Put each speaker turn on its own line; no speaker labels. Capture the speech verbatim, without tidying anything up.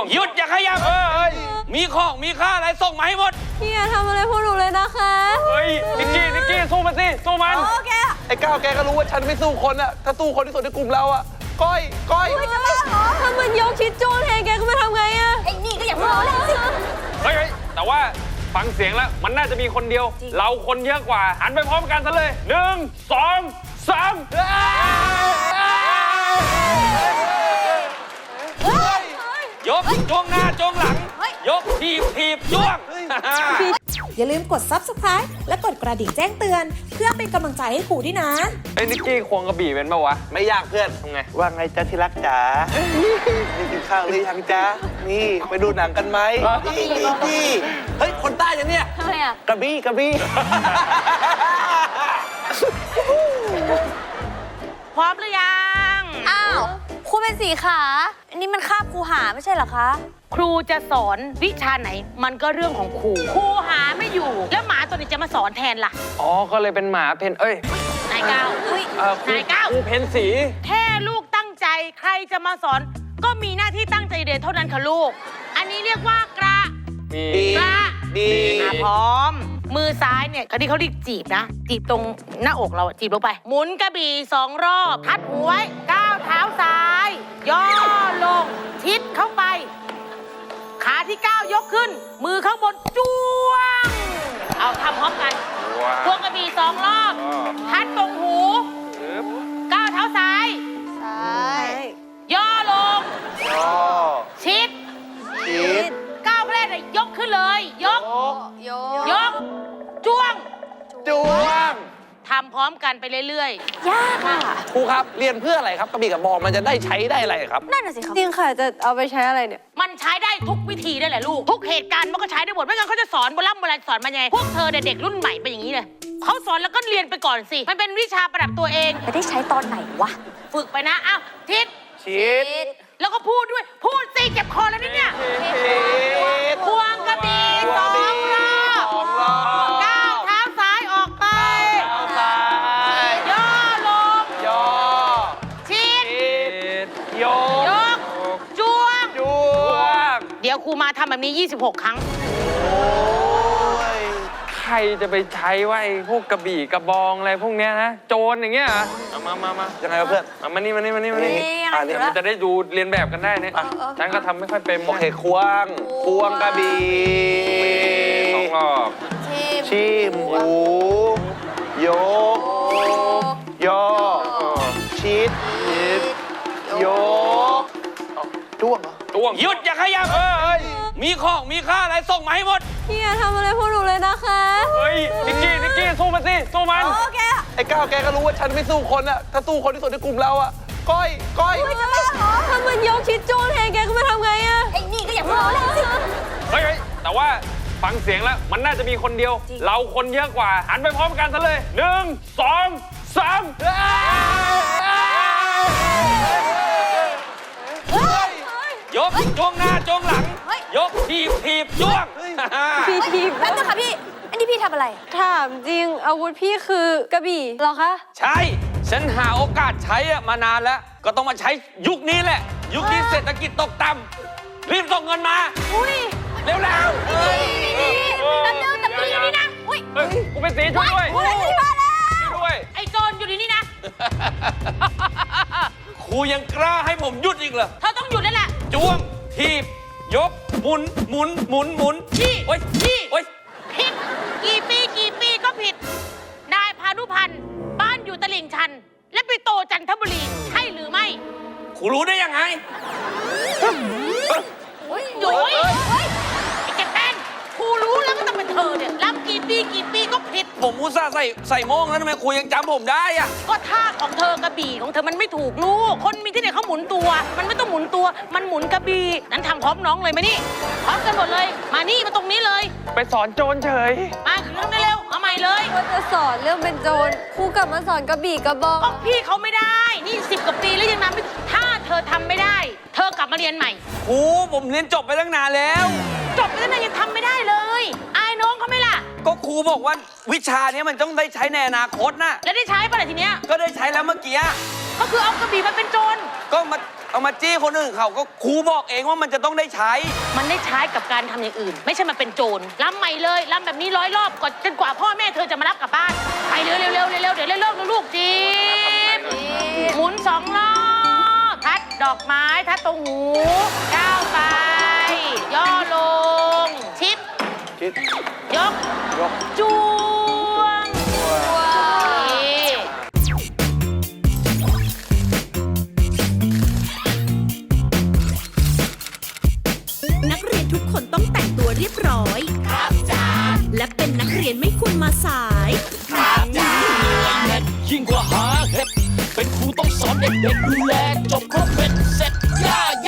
หยุดอย่าขยับเอ้ยมีของมีค่าอะไรส่งมาให้หมด
พี่อย่าทำอะไรพวกหนูเลยนะคะ
เฮ้ยนิกกี้นิกกี้สู้มันสิสู้มัน
โอเค
ไอ้ก้าวแกก็รู้ว่าฉันไม่สู้คนอะถ้าสู้คนที่สุดในกลุ่มเราอะก้อยก้อย
ถ้ามันยกชิดโจ้แทนแกก็มาทำไงอะ
ไอ้นี่ก็อย่าพูดเลยสิ
เฮ้ยแต่ว่าฟังเสียงแล้วมันน่าจะมีคนเดียวเราคนเยอะกว่าหันไปพร้อมกันซะเลยหนึ่งสองสามยกจ้วงหน้าจ้วงหลังยกทีบทีบจ้วง
อย่าลืมกด ซับสไครบ์ และกดกระดิ่งแจ้งเตือนเพื่อเป็นกำลังใจให้ครูด้วยนะ
ไอ้นิกกี้ควงกระบี่เป็นปะวะ
ไม่ยากเพื่อน
ทำไง
ว่าไงจ๊ะที่รักจ๋านี่กินข้าวหรือยังจ๊ะนี่ไปดูหนังกันไหมนี่นี่เฮ้ยคนใต้ยังเนี่ย
ทำไมอ่ะ
กระบี่กระบี่
พร้อมหรือยังอ้าวครูเป็นสีขาอันนี้มันคาบครูหาไม่ใช่เหรอคะ
ครูจะสอนวิชาไหนมันก็เรื่องของครูครูหาไม่อยู่แล้วหมาตัวนี้จะมาสอนแทนล่ะ
อ๋อก็เลยเป็นหมาเพนเอ้ย
นายก้าวอุ้ยนายก้าว
ครูเพนสี
แค่ลูกตั้งใจใครจะมาสอนก็มีหน้าที่ตั้งใจเรียนเท่านั้นค่ะลูกอันนี้เรียกว่ากระกระ
ดี
พร้อมมือซ้ายเนี่ยเขาที่เขาเรียกจีบนะจีบตรงหน้าอกเราจีบลงไปหมุนกระบี่สองรอบพัดหัวก้าวเท้าซ้ายย่อลงชิดเข้าไปขาที่ก้าวยกขึ้นมือข้างบนจ้วงเอาทำพร้อมกันพวงกระบี่สองรอบพัดตรงหูก้าวเท้าซ้าย
ซ้าย
ย่อลง
ย่อ
ชิด
ชิด
ก้าวแรกเลยยกขึ้นเลยยก
ยก
ยกจ้วง
จ้วง
ทำพร้อมกันไปเรื่อย
ๆยากอ่ะ
ครูครับเรียนเพื่ออะไรครับกระบี่กับบอลมันจะได้ใช้ได้อะไรครับ
นั่นน่ะสิครับ
จริงค่ะจะเอาไปใช้อะไรเนี่ย
มันใช้ได้ทุกวิธีได้แหละลูกทุกเหตุการณ์มันก็ใช้ได้หมดไม่งั้นเขาจะสอนโบราณโบราณสอนมาไงพวกเธอเด็กรุ่นใหม่เป็นอย่างนี้เลยเขาสอนแล้วก็เรียนไปก่อนสิมันเป็นวิชาประดับตัวเอง
จะได้ใช้ตอนไหนวะ
ฝึกไปนะอ้าวทิศ
ชิด
แล้วก็พูดด้วยพูดสิเจ็บคอแล้วเนี่ยควงกระบี่สองรอบก้าวเท้าซ้ายออกไปย่อลง
ย่อ
ชิด
ยก
ยกจ้วง
จ้วง
เดี๋ยวครูมาทำแบบนี้ยี่สิบหกครั้ง
ใครจะไปใช้ว่าไอ้พวกกระบี่กระบองอะไรพวกเนี้ยนะโจรอย่างเงี้ยเอามามามา
ยังไงเพื่อน
เอามานี่มานี่มานี่มานี่อ่าเดี๋ยวมันจะได้ดูเรียนแบบกันได้เนี่ยฉันก็ทำไม่ค่อยเป็น
โอเคควงควงกระบี่
สองรอบ
ชิมหูยกย่อชิดยกจ้วง
จ้วงหยุดอย่าขยับเอ้ยมีของมีค่าอะไรส่งมาให้หมด
พี่อย่าทำอะไรพวกหนูเลยนะคะ
เฮ้ยนิกกี้นิกกี้สู้มันสิสู้มัน
โอเค
ไอ้ก้าวแกก็รู้ว่าฉันไม่สู้คนอะถ้าสู้คนที่สุดในกลุ่มเราอะก้อยก้อย
ถ้ามันยกชิดโจ้แทนแกก็มาทำไงอะ
ไอ้นี่ก็อย่าพูดเลยสิ
เฮ้ยแต่ว่าฟังเสียงแล้วมันน่าจะมีคนเดียวเราคนเยอะกว่าหันไปพร้อมกันซะเลยหนึ่งสองสามยกจ้วงหน้าจ้วงหลังยกทีบทีบจ้วง
พี่ทีบ
แป๊บนึงค่ะพี่อันนี้พี่ทำอะไร
ถามจริงอาวุธพี่คือกระบี่เหรอคะ
ใช่ฉันหาโอกาสใช้มานานแล้วก็ต้องมาใช้ยุคนี้แหละยุคนี้เศรษฐกิจตกต่ำรีบส่งเงินมา
อุ้ย
เร็วแล้ว
แป๊บนึงแต่พี่อยู่นี่นะอุ้ย
กูเป็นสีช่วยด้วย
มาแล้ว
ด้วย
ไอ้โจรอยู่นี่นะ
ครูยังกล้าให้ผมหยุดอีกเหรอ
เธอต้องหยุดแล้วแหละ
จ้วงทีบยกหมุนหมุนหมุนหมุน
ชี้
โอ้ย
ชี้
โอ้ย
ผิดกี่ปีกี่ปีก็ผิดนายพานุพันธ์บ้านอยู่ตลิ่งชันและไปโตจันทบุรีใช่หรือไม่
ครูรู้ได้ยังไง
โอ้ยโอ้ยไอ้แกแป้งครูรู้แล้วก็ต้องเป็นเธอเนี่ยรับกี่ปีกี่ปีก็ผิด
ผมอุตส่าห์ใส่ใส่โม่งแล้วทำไมครูยังจำผมได้อะ
ก็ท่าของเธอกระบี่ของเธอมันไม่ถูกลูกคนมีที่ไหนเขาหมุนตัวมันไม่ต้องหมุนตัวมันหมุนกระบี่นั้นทำพร้อมน้องเลยไหมนี่พร้อมกันหมดเลยมานี่มาตรงนี้เลย
ไปสอนโจรเฉย
มาเรื่องได้เร็วเอาใหม่เลย
ก็จะสอนเรื่องเป็นโจรครูกลับมาสอนกระบี่กระบอง
ก็พี่เขาไม่ได้นี่สิบกว่าปีแล้วยังนำไม่ถ้าเธอทำไม่ได้เธอกลับมาเรียนใหม่
ครูผมเรียนจบไปตั้งนานแล้ว
จบไปตั้งนานยังทำไม่ได้เลยอายน้องเขาไหมล่ะ
ก็ครูบอกว่าวิชานี้มันต้องได้ใช้ในอนาคตนะ
แล้วได้ใช้ป่ะล่ะทีเนี้ย
ก็ได้ใช้แล้วเมื่อกี้
ก็คือเอากระบี่มาเป็นโจร
ก็มาเอามาจี้คนอื่นเขาก็ครูบอกเองว่ามันจะต้องได้ใช้
มันได้ใช้กับการทำอย่างอื่น ไม่ใช่มาเป็นโจรรำใหม่เลยรำแบบนี้ร้อยรอบก่อนจนกว่าพ่อแม่เธอจะมารับกลับบ้านไปเร็วเร็วเร็วเร็วเดี๋ยวเร็วๆลูกจีบหมุนสองรอบทัดดอกไม้ทัดตรงหูก้าวไปย่อลงชิป
คิด
ยก
ยก
จ้วง
ว้าว
นี่
นักเรียนทุกคนต้องแต่งตัวเรียบร้อย ครับจ้าและเป็นนักเรียนไม่ควรมาสาย
ยิ่งกว่าหาเห็ดเป็นครูต้องสอนเด็กๆดูแล